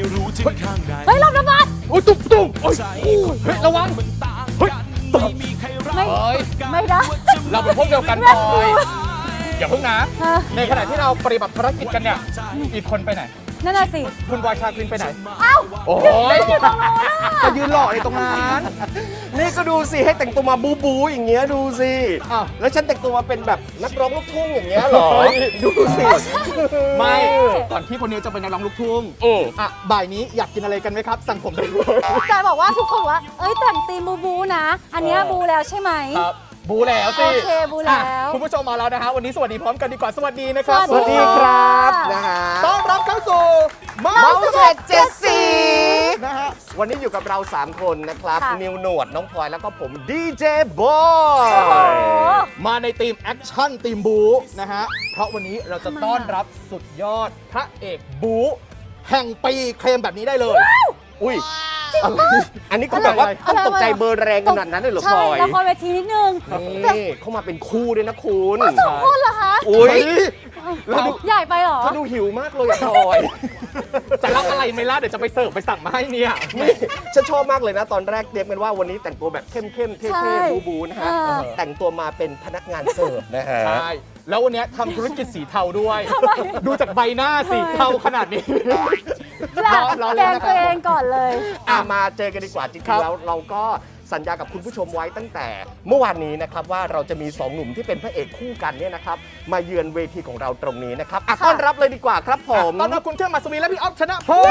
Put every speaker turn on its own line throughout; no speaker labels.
เฮ้ยรอบระบาด
โอ้ยตุ้มโอ้ยเฮ้ยระวังเฮ้ยตบ
ไม่ได้
เราเป็นพวกเดียวกันพลอยอย่าเพิ่งนะในขณะที่เราปฏิบัติภารกิจกันเนี่ยอีกคนไปไหน
นั่นน่ะสิ
คุณวายชาคลินไปไหน
เอ้า
โอ้ย
อยู่ตรงนู้นน่ะ
จะยืนหล่อในตรงนั้น
นี่ก็ดูสิให้แต่งตัวมาบูบูอย่างเงี้ยดูสิ
อ้าว
แล้วฉันแต่งตัวมาเป็นแบบนักร้องลูกทุ่งอย่างเงี้ยเหรอ ดูสิ
ไม่ก่อนที่คนนี้จะเป็นนักร้องลูกทุ่งอ่ะบ่ายนี้อยากกินอะไรกันไหมครับ สั่งผมได้เลย
แต่บอกว่าทุกคนว่าเอ้ยแต่งตีมบูนะ อันเนี้ยบูแล้วใช่ไหม
ครับบูแล้วสิ
โอเคบูแล้ว
อ่ะคุณผู้ชมมาแล้วนะฮะวันนี้สวัสดีพร้อมกันดีกว่าสวัสดีนะครับ
สวัสดี
ครับนะฮะ
ต้อนรับเข้าสู่เมา
เมา
ส์
ส์
เ
เจ็ดเจ็ดสี
นะฮะ
วันนี้อยู่กับเรา 3 คนนะครับ
ค่ะ
นิวหนวดน้องพลอยแล้วก็ผมดีเจบอ
โอ้โห
ย
มาในทีมแอคชั่นทีมบูนะฮะเพราะวันนี้เราจะต้อนรับสุดยอดพระเอกบูแห่งปีเคลมแบบนี้ได้เลย
อุ้ยอะไรอันนี้คุณแบบว่าต้องตกใจเบอร์แรงขนาดนั้นเลยเหรอพ
ใช่
ลอย
ละครเวทีนิดนึง
นี่เข้ามาเป็นคู่ด้วยนะคุณ
สองคนเหรอคะ
อุ้ย
เราดู
ใหญ่ไปเหรอ
เขาดูหิวมากเลยอะพลอย
จะรับอะไรไหม่ล่ะเดี๋ยวจะไปเสิร์ฟไปสั่งมาให้เนี่ย
นี่ฉันชอบมากเลยนะ ตอนแรกเตรียมกันว่าวันนี้แต่งตัวแบบเข้มๆเท่
ใช่
ๆบูๆนะฮะ แต่งตัวมาเป็นพนักงานเสิร์ฟนะฮะ
ใช่แล้ววันนี้ทำธุรกิจสีเทาด้วย ดูจากใบหน้าสีเทาขนาดนี้
แก
รอ
แก
เล่น
ง
นะค
ตั
รั
วเอบ งก่อนเลย
มาเจอกันดีกว่าจริ
ครั
ง
บ
ๆแล้วเราก็สัญญากับคุณผู้ชมไว้ตั้งแต่เมื่อวานนี้นะครับว่าเราจะมี2หนุ่มที่เป็นพระเอกคู่กันเนี่ยนะครับมาเยือนเวทีของเราตรงนี้นะครับต้อนรับเลยดีกว่าครับผม
ต้อนรับคุณเข้มมัสวีและพี่อ๊อฟชนะพง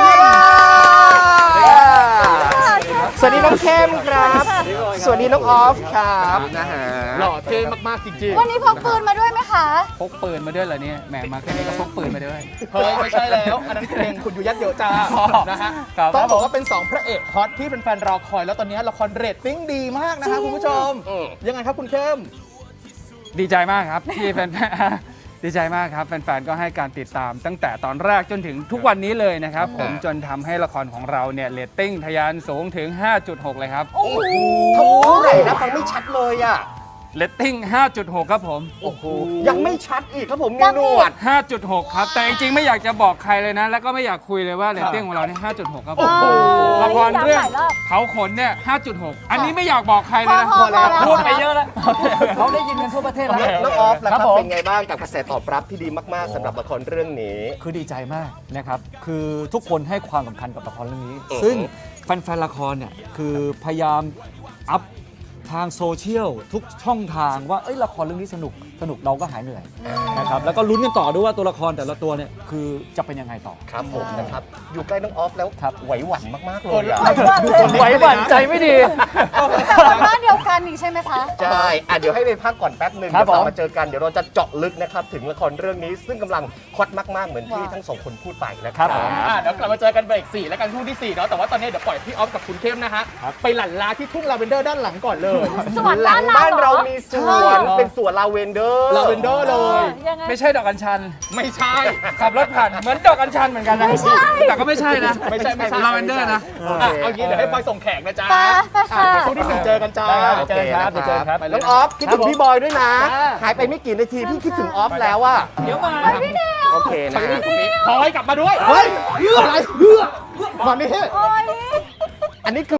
สวัสดีน้องเข้มครับ สวัสดีน้องออฟครับนะฮะ
หล่อเท่มากๆจริง
วันนี้พกปืนมาด้วยไหมคะ
พกปืนมาด้วยเหรอเนี่ยแหมมาแค่นี้ก็พกปืนมาด้วย
ๆเฮ้ยไม่ใช่แล้วอันนั้นเพลงคุณอยู่ยัดเยอะจ้านะฮะ
ครับ
ต้องบอกว่าเป็น 2 พระเอกฮอตที่แฟนๆรอคอยแล้วตอนนี้ละครเรตติ้งดีมากนะฮะคุณผู้ชม ยังไงครับคุณเข้ม
ดีใจมากครับที่แฟนๆ ดีใจมากครับแฟนๆก็ให้การติดตามตั้งแต่ตอนแรกจนถึงทุกวันนี้เลยนะครับผมจนทำให้ละครของเราเนี่ยเรตติ้งทะยานสูงถึง 5.6 เลยครับ
โอ้โห
เท่าไหร่นะฟังไม่ชัดเลยอ่ะ
เรตติ้ง 5.6 ครับผม
โอ้โหยังไม่ชัดอีกครับผมนิวหนวด
5.6 ครับแต่จริงๆไม่อยากจะบอกใครเลยนะ แล้วก็ไม่อยากคุยเลยว่าเรตติ้งของเราเนี่ย 5.6 ครับผม
โอ้โห
ละครเรื่อง
ย้ำหลายรอบ
เขาขนเนี่ย 5.6 อันนี้ไม่อยากบอกใครเลยนะ
พอแล้ว
พูดไปเยอะแล้วเขาได้ยินกันทั่วประเทศแล้ว
น้องออฟล่ะครับ
ผม
เป็นไงบ้างกับกระแสตอบรับที่ดีมากๆสำหรับละครเรื่องนี้
คือดีใจมากนะครับ คือทุกคนให้ความสำคัญกับละครเรื่องนี้ ซึ่งแฟนๆละครเนี่ยคือพยายามอัพทางโซเชียลทุกช่องทางว่าเอ้ยละครเรื่องนี้สนุกเราก็หายเหนื่อยนะครับ แล้วก็ลุ้นกันต่อด้วยว่าตัวละครแต่ละตัวเนี่ยคือจะเป็นยังไงต่อ
ครับผมนะครับ อยู่ใกล้น้องออฟแล้ว
ครับ
ไหวหวั่นมากๆเลยอะ
ไหวหวั่นใจไม่ดี
แต่ว่าบ้านเดียวกันอีกใช่ไหมคะ
ใช่เดี๋ยวให้ไปพักก่อนแป๊บหนึ่ง
ครั
เดี๋ยวกลั
บผม
บมาเจอกันเดี๋ยวเราจะเจาะลึกนะครับถึงละครเรื่องนี้ ซึ่งกำลังฮอตมากๆเหมือนที่ทั้งสองคนพูดไปนะค
ครั
รับบ
ผม
เดี๋ยวกลับมาเจอกันเบรก4และกันช่วงที่4เนาะแต่ว่าตอนนี้เดี๋ยวปล่อยพี่ออฟกับคุณเข้มนะฮะไปหลั่นลาที่ทุ่งลาเวนเดอร์ด้านหลังก่อนเลย
สวน
หลั
บ้าง น
บ้าน
เรา
เรา
เหรอ
มีสวนเป็นสวนลาเวนเดอร์
ลาเวนเดอร์เลย
ยังไง
ไม่ใช่ดอกอัญชัน
ไม่ใช่
ขับรถผ่านเหมือนดอกอัญชันเหมือนกันนะไม่ใช่แต่ก็ไม่ใช่นะ
ไม่ใช่
ลาเวนเดอร์นะ
เอางี้เดี๋ยวให้ปอยส่งแขกนะจ๊ะ
ไปค่ะ
เดี๋ยวช่วงที่4เจอกันจ้า
ได้ครับ เจอครับเดี๋ยวเจอครับ
ไปเล
น้
ย
องออฟคิดถึงพี่บอยด้วยนะ หายไปไม่กี่นาทีพี่คิดถึงออฟแล้วอะ
เดี๋ยวมา
โอเคนะ
พลอยกลับมาด้วย
เฮ้ยอะไรมานี่
โอ้ย
อันนี้คือ